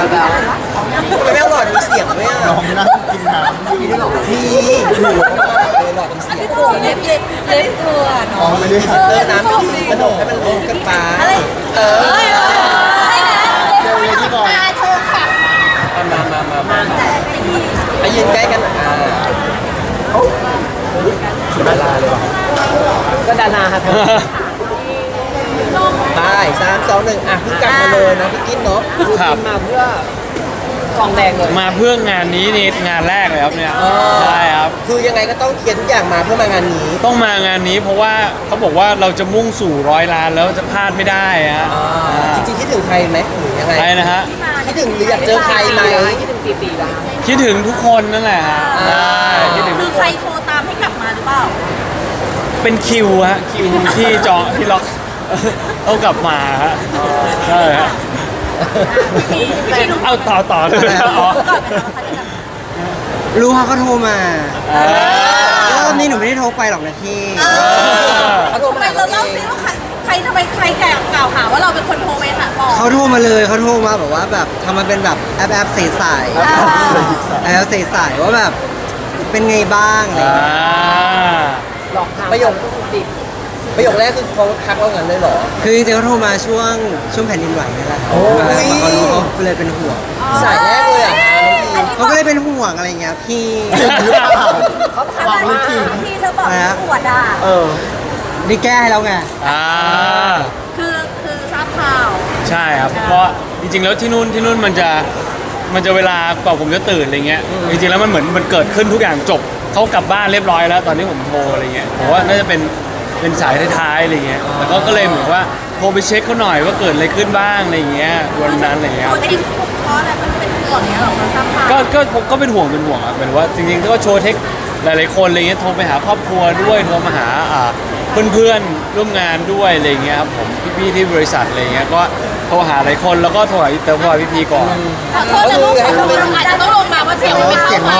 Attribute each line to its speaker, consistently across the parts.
Speaker 1: แล้วทำไมไม่เอาหลอดมีเสียงด้วยอ่ะ
Speaker 2: น้องนั่งกินน้ำ
Speaker 1: มีด้วยหรอพี่หนูเลยหลอดมีเสียง
Speaker 3: เล็บตัวเนาะ
Speaker 2: ไม่ได้
Speaker 1: เตอร์น้ำพี่กระโดดให้มันลงกันปลา
Speaker 2: เจอเลยที่ก่อน
Speaker 1: มาไปยืนใกล้กันดาราเลยว่ะก็ดาราครับไป3 2 1เพิ่งกลับมาเลยนะพี่กิ๊นเนาะมาเพื่อทองแดงเลย
Speaker 4: มาเพื่องานนี้นี่งานแรกเลยครับเนี่ยใช่ครับ
Speaker 1: คือยังไงก็ต้องเคลียร์ทุกอย่างมาเพื่อมางานนี้
Speaker 4: ต้องมางานนี้เพราะว่าเขาบอกว่าเราจะมุ่งสู่100 ล้านแล้วจะพลาดไม่ได้ฮะ
Speaker 1: จริงๆคิดถึงใครไหมหรือยังไง
Speaker 4: ใครนะฮะ
Speaker 1: คิดถึงหรืออยากเจอใครไหมคิดถึงปีๆแล้ว
Speaker 4: คิดถึงทุกคนนั่นแหละฮะคิดถึง
Speaker 3: คือใครโทรตามให้กลับมาหรือเปล่า
Speaker 4: เป็นคิวฮะคิวที่จองที่ล็อกเอากลับมาฮะใช่ฮะเอาต่อเลย
Speaker 5: รู้เขาโทรมารอบนี้หนูไม่ได้โทรไปหรอกนะพี่
Speaker 1: เขาโทรมา
Speaker 3: เราเล่าซิว่าใครทำไมใครกล่าวหาว่าเราเป็นคนโทรไปหาบอก
Speaker 5: เขาโทรมาเลยเขาโทรมาแบบว่าแบบทำมาเป็นแบบแอปใสๆว่าแบบเป็นไงบ้างอะไร
Speaker 1: หลอกประโยคแรกคือเขาทักเราเงินเลยเหรอ
Speaker 5: คือจริงๆเขาโทรมาช่วงแผ่นดินไหวนี่แหละเขารู้เขาเลยเป็นห่วง
Speaker 1: สายแรกเลยอ่ะ
Speaker 5: เขาก็เลยเป็นห่วงอะไรเงี้ยพี่
Speaker 3: เขาถามว่าพี่เธอบอกปวดอ่ะ
Speaker 5: นี่แก้ให้แล้วไง
Speaker 3: คือทราบข่าว
Speaker 4: ใช่ครับเพราะจริงๆแล้วที่นู่นมันจะเวลากว่าผมจะตื่นอะไรเงี้ยจริงๆแล้วมันเหมือนมันเกิดขึ้นทุกอย่างจบเขากลับบ้านเรียบร้อยแล้วตอนนี้ผมโทรอะไรเงี้ยผมว่าน่าจะเป็นสายท้ายๆอะไรเงี้ยแต่ก็เลยเหมือนว่าโทรไปเช็คเขาหน่อยว่าเกิดอะไรขึ้นบ้างอะไรเงี้ยวันนั้นอะไรเงี้ย
Speaker 3: เพราะอะไรมันเป็นห่วงเนี้ยหรอทราบข่าว
Speaker 4: ก็เป็นห่วงอ่ะหมายถึงว่าจริงๆก็โชว์เทคหลายๆคนอะไรเงี้ยโทรไปหาครอบครัวด้วยโทรมาหาเพื่อนร่วมงานด้วยอะไรเงี้ยครับผมพี่ๆที่บริษัทอะไรเงี้ยก็โทรหาหลายคนแล้วก็โทรหาพี่ก่อน
Speaker 3: ขอโทษนะลูกอาจจะต้องลงมาว่าเสียงมันไม่เข้าไป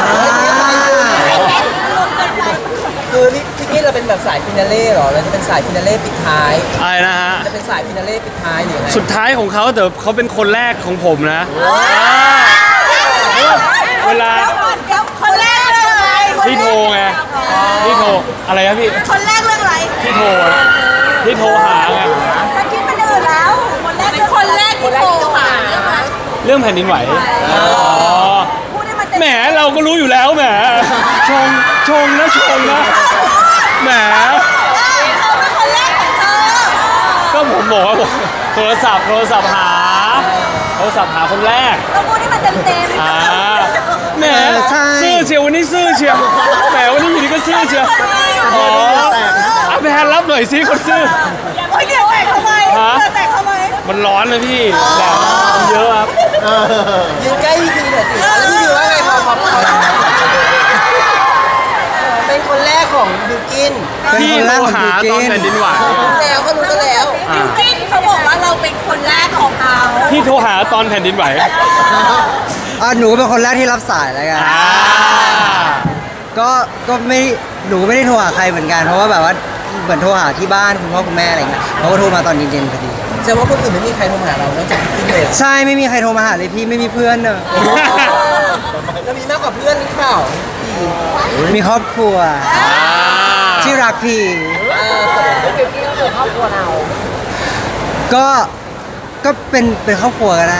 Speaker 1: คือพี่กิ๊นเราเป็นแบบสายฟินาเล่หรอเราจะเป็นสายฟินาเล่ปิดท้าย
Speaker 4: อะไรนะฮะ
Speaker 1: จะเป็นสายฟินาเล่ปิดท้ายหรือไง
Speaker 4: สุดท้ายของเขาแต่เขาเป็นคนแรกของผมนะเวลา
Speaker 3: คนแรกเรื่องอะไร
Speaker 4: พี่โทรไงพี่โทรอะไรนะพี่
Speaker 3: คนแรกเรื่องอะไร
Speaker 4: พี่โทรหาไง
Speaker 3: ถ้าคิดมันอื่นแล้วเป็นคนแรกที่โทรหา
Speaker 4: เรื่องแผ่นดินไหวแหมเราก็รู้อยู่แล้วแหมชงนะแหมก็ผมบอกว่าโทรศัพท์หาคนแรก
Speaker 3: เราพูดให้มันเต็ม
Speaker 4: แหมซื่อเชียววันนี้ซื่อเชียวแหมวันนี้อยู่ดีก็ซื่อเชียวเอาไปแทนรับหน่อยสิคนซื่อ
Speaker 3: เดี๋ยวแตกทำไม
Speaker 4: มันร้อนเลยพี่แดดเยอะครับ
Speaker 1: ยืนใกล้พี่ทีหน่อยสิแล้วพี่ทีว่าไงพอเป็นคนแรกของบิวกิน
Speaker 4: พี่โทรหาตอนแผ่นดินไหว
Speaker 1: แล้วก็รู้กันแล้ว
Speaker 3: บิวกินเขาบอกว่าเราเป็นคนแรกของเขา
Speaker 4: พี่โทรหาตอนแผ่นดินไหว
Speaker 5: หนูเป็นคนแรกที่รับสายแล้วกันก็ไม่หนูไม่ได้โทรหาใครเหมือนกันเพราะว่าแบบว่าเหมือนโทรหาที่บ้านคุณพ่อคุณแม่อะไรเงี้ยเขาก็โทรมาตอนเย็นๆพอดี
Speaker 1: แสดงว่าคนอื่นไม่มีใครโทรมาหาเรานอกจากพี่เลย
Speaker 5: ใช่ไม่มีใครโทรมาหาเลยพี่ไม่มีเพื่อนเนอะ
Speaker 1: แล้วมีมากกว่าเพื่อนหรือเปล่า
Speaker 5: มีครอบครัวที่รักพี่
Speaker 3: ครอบครัวเรา
Speaker 5: ก็เป็นครอบครัวก็ได้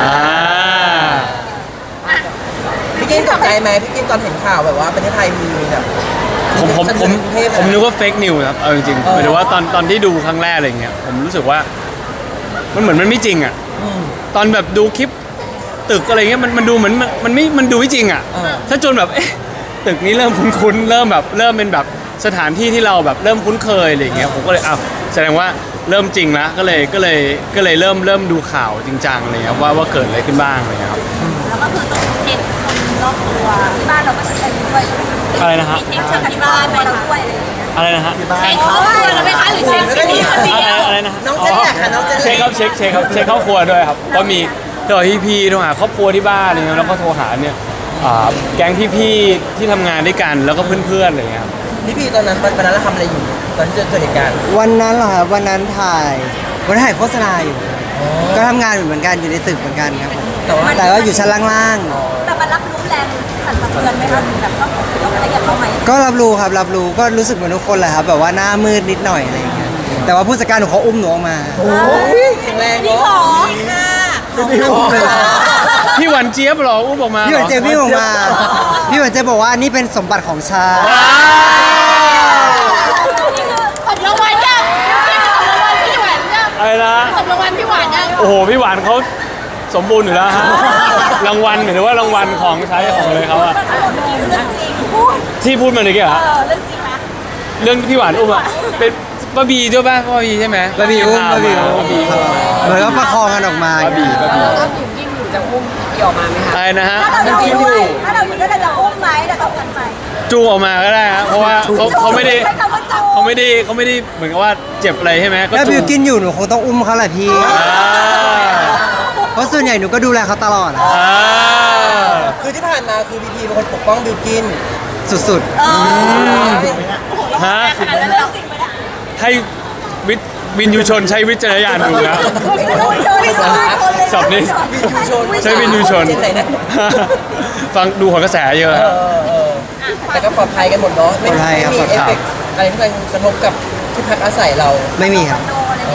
Speaker 1: พี่กินตกใจไหมพี่กินตอนเห็นข่าวแบบว่าประเทศไทยมีแบบ
Speaker 4: ผมนึกว่าเฟกนิวครับเอาจริงๆหมายถึงว่าตอนที่ดูครั้งแรกอะไรเงี้ยผมรู้สึกว่ามันเหมือนมันไม่จริงอ่ะตอนแบบดูคลิปตึกอะไรเงี้ยมันดูเหมือนมันดูไม่จริงอ่ะถ้าจนแบบตึกนี้เริ่มคุ้นๆเริ่มเป็นแบบสถานที่ที่เราแบบเริ่มคุ้นเคยอะไรเงี้ยผมก็เลยแสดงว่าเริ่มจริงแล้วก็เลยเริ่มดูข่าวจริงจังอะไรเงี้ยว่าเกิดอะไรขึ้นบ้างอะไรเงี้ยครับ
Speaker 3: แล้วก็คือต้องเช็คคนรอบตัวที่บ้านเราก็จะเป็นด้วย
Speaker 4: อะไรนะฮะ
Speaker 3: เช็คที่บ้านไปเราด้วยอะไรอย่างเงี้ย
Speaker 4: อะไรนะฮะ
Speaker 3: เช็คครอบครัวเราไหมคะหรือเช็คที่นี่คนเดียว
Speaker 4: อะไรนะ
Speaker 1: น้องเจนแหละค่ะน้องเจน
Speaker 4: เช็คครับเช็คครอบครัวด้วยครับก็มีโทรพี่โทรหาครอบครัวที่บ้านอะไรเงี้ยแล้วก็โทรหาเนี่ยแก๊งพี่ที่ทำงานด้วยกันแล้วก็เพื่อนๆอะไรเงี้ยครับ
Speaker 1: พี่ตอนนั้นเราทำอะไรอยู่ตอนที่เกิดเหตุการณ์
Speaker 5: วันนั้นเหรอครับวันนั้นถ่ายโฆษณาอยู่ก็ทำงานเหมือนกันอยู่ในตึกเหมือนกันครับแต่ว่าอยู่ชั้นล่าง
Speaker 3: แต่มันรับรู้แรงสั่นสะเทือนไหมคะแบบต้องอะไรอย่างเข้าไหม
Speaker 5: ๆก็รับรู้ครับรับรู้ก็รู้สึกเหมือนทุกคนแหละครับแบบว่าหน้ามืดนิดหน่อยอะไรอย่างเงี้ยแต่ว่าผู้จัดการหนูเขาอุ้มหนูออกมา
Speaker 1: แข็งแรง
Speaker 3: พี่
Speaker 1: เนาะ
Speaker 3: ขอค่ะ
Speaker 4: พี่หวานเจี๊ยบเหรออุ้มออกมา
Speaker 5: พี่หวันเจพี่ออกมาพี่หวันเจบอกว่านี่เป็นสมบัติของชาติ
Speaker 3: ตบรางวัลยังพี่ตบรางวัลพี่หวานยัง
Speaker 4: อะไรนะ
Speaker 3: ตบรางวัลพี่หวานยัง
Speaker 4: โอ้โหพี่หวานเขาสมบูรณ์อยู่แล้วฮะรางวัลหรือว่ารางวัลของใช้ของเลยเขาอะ
Speaker 3: เมื่อกี้คือเรื่องจริงพูด
Speaker 4: ที่พูดมาเมื่อกี้เหรอ
Speaker 3: เรื่องจริงนะ
Speaker 4: เรื่องพี่หวานอุ้มอะเป็นป้าบีด้วยป่ะป้าบีใช่ไหม
Speaker 5: บาบีอุ้มบาบีอุ้ม
Speaker 4: ป้าบี
Speaker 5: ครับเหมือนก็ประคองกันออกมา
Speaker 4: ป้าบีป้าบี
Speaker 1: ออกมาไหมคะ
Speaker 4: อะไรนะฮะ
Speaker 3: ถ้าเราอยู่ด้วยถ้าเราอยู่ด้วยเราจะอุ้มไหมเราต้องกันไหม
Speaker 4: จูงออกมาก็ได้ฮะเพราะว่าเขาไม่ได้
Speaker 3: ใช้คำว่าจู
Speaker 4: เขาไม่ได้เหมือนกับว่าเจ็บอะไรใช่ไหมก็
Speaker 5: ถ้า
Speaker 4: จู
Speaker 5: บิว
Speaker 4: ง
Speaker 5: กินอยู่หนูคงต้องอุ้มเขาแหละพี่
Speaker 4: อ่า
Speaker 5: เพราะส่วนใหญ่หนูก็ดูแลเขาตลอดอะ
Speaker 4: อ่า
Speaker 1: คือที่ผ่านมาคือพีพีเป็นคนปกป้องบิวกิน
Speaker 5: สุด
Speaker 4: ฮะ
Speaker 3: ขนาดนั้นเลยจริงไหมเนี่ย
Speaker 4: ให้วินยูชนใช้วิจารณญาณดูนะ สับนี้ ใช้วินยูชน
Speaker 1: เจนไหนนะ
Speaker 4: ฟังดูหัวกระแสเยอะครับ
Speaker 1: แต่ก็ปลอดภัยกันหมดเนาะไม่
Speaker 5: ปลอดภัยครับ
Speaker 1: มี
Speaker 5: ปลอด
Speaker 1: เอฟ
Speaker 5: ภัย
Speaker 1: เฟกต์อะไรที่มันกระทบกับที่พักอาศัยเรา
Speaker 5: ไม่มีครับ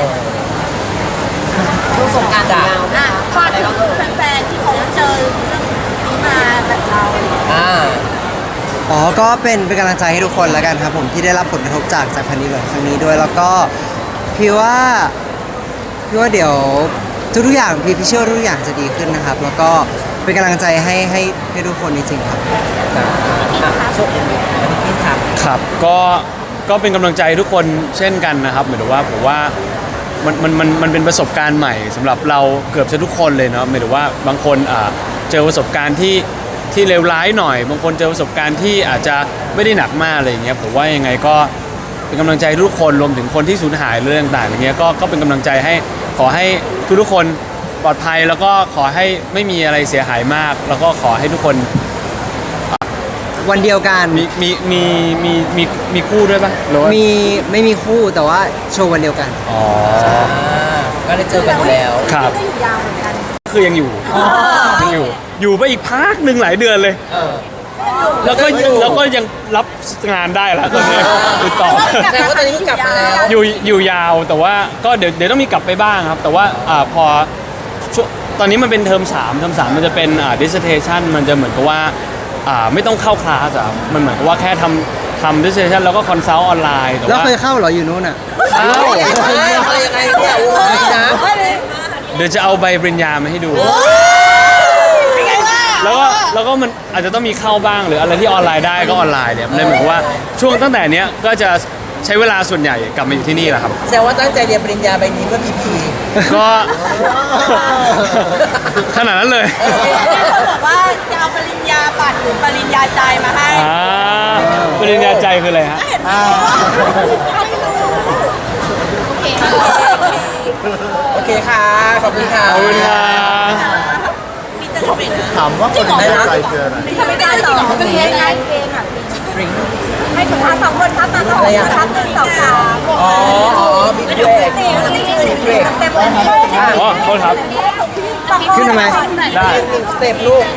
Speaker 3: ช่วงสงกรานต์ยาวฝากถึงแฟนๆที่เขาเจอเรื่องนี้มาแบบเรา
Speaker 1: อ่า
Speaker 5: อ๋อ ก็เป็นกำลังใจให้ทุกคนแล้วกันครับผมที่ได้รับผลกระทบจากแผ่นดินไหวครั้งนี้ด้วย แล้วก็พี่ว่าเดี๋ยวทุกๆอย่างพี่เชื่อว่าทุกอย่างจะดีขึ้นนะครับ แล้วก็เป็นกำลังใจให้ทุกคนจริงๆครับ
Speaker 1: ช่วงนี้พี่ถาม
Speaker 4: ครับก็เป็นกำลังใจทุกคนเช่นกันนะครับหมายถึงว่าผมว่ามันเป็นประสบการณ์ใหม่สำหรับเราเกือบจะทุกคนเลยเนาะหมายถึงว่าบางคนเจอประสบการณ์ที่เลวร้ายหน่อย บางคนเจอประสบการณ์ที่อาจจะไม่ได้หนักมากอะไรอย่างเงี้ยผมว่ายังไงก็เป็นกำลังใจทุกคนรวมถึงคนที่สูญหายเรื่องต่างๆอย่างเงี้ยก็เป็นกำลังใจให้ขอให้ทุกคนปลอดภัยแล้วก็ขอให้ไม่มีอะไรเสียหายมาก แล้วก็ขอให้ทุกคน
Speaker 5: วันเดียวกัน
Speaker 4: มีคู่ด้วยปะหรือว่า
Speaker 5: ไม่มีคู่แต่ว่าโชว์วันเดียวกัน
Speaker 4: อ๋อ
Speaker 1: ก็ได้เจอกันอยู่แล้ว
Speaker 4: ครับ
Speaker 3: ก็อยู่ยาวเหมือนกัน
Speaker 4: คือยังอยู่ไปอีกพักหนึ่งหลายเดือนเลย
Speaker 1: เออ
Speaker 4: แล้วก็ยังรับงานได้แล้วตอนนี้ติดต่อ
Speaker 1: แสดงว่าตอนนี้ก็กลับมาแล้ว
Speaker 4: อยู่ยาวแต่ว่าก็เดี๋ยวต้องมีกลับไปบ้างครับ แต่ว่าพอช่วงตอนนี้มันเป็นเทอม3มันจะเป็นdissertation มันจะเหมือนกับว่าไม่ต้องเข้าคลาสอะมันเหมือนกับว่าแค่ทำ dissertation แล้วก็คอนซัลท์ออนไลน์แต่
Speaker 5: แล้ว
Speaker 4: ว่า
Speaker 5: เคยเข้าเหรออยู่นู้นอ่ะ
Speaker 4: เข้า
Speaker 1: อะไรยังไงเนี่ยโอ้ยนะ
Speaker 4: เดี๋ยวจะเอาใบปริญญามาให้ดู แล้วก็มันอาจจะต้องมีเข้าบ้างหรืออะไรที่ออนไลน์ได้ก็ออนไลน์เนี่ยมันเลยเหมือนกับว่าช่วงตั้งแต่เนี้ยก็จะใช้เวลาส่วนใหญ่กลับมาอยู่ที่นี่แหละครับ
Speaker 1: แสดงว่าตั้งใจเรียนปริญญาใบนี้เพื่อพีพี
Speaker 4: ก็ ขนาดนั้นเลย
Speaker 3: มีคนบอกว่าจะเอาปริญญาบัตรหรือปริญญาใจมาให้
Speaker 4: ปริญญาใจคืออะไรฮะ
Speaker 3: เห็นไหมโอเค
Speaker 1: โอเคค่ะ ขอบคุณค่ะ
Speaker 4: ขอบคุณครับ
Speaker 3: มีจะทำเองนะ
Speaker 2: ถามว่าคนได้รับใจคืออะไร
Speaker 3: มีทำไม่ได้หรอเป็นเพลงไงเพลงอ่ะ
Speaker 1: ดริง
Speaker 3: ให้ถุงมา2 คนครับมา2 คนครับ1 2 3
Speaker 1: อ๋อบิ๊กเบรกบิ๊กเบรก
Speaker 3: เต็มเลย
Speaker 4: อ๋อโทษครับ
Speaker 5: ขึ้นทำไม
Speaker 4: ได้
Speaker 1: สเต็ปลูก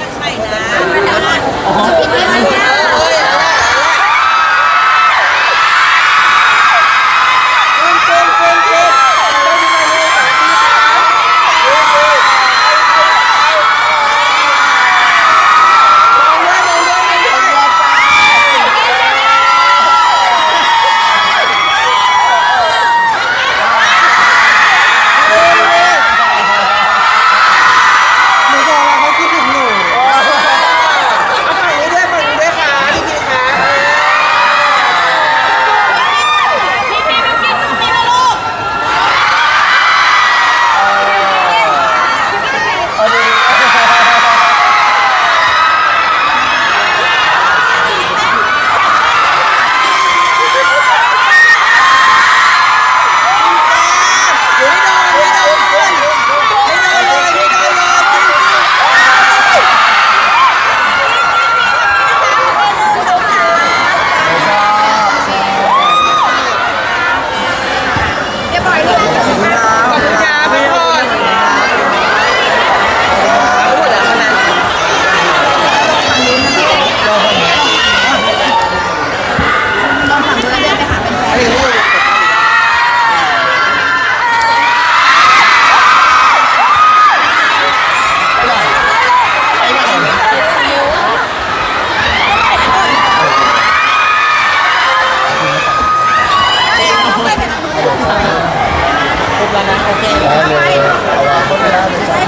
Speaker 5: หนูบอกแล้วเขาคิดถึงหนู
Speaker 1: ฝั่งนี้ด้วยค่ะปุ๊บแล้วนะโอเค
Speaker 2: ได้เลยเอาวางหมดเวลาเลยจ้ะ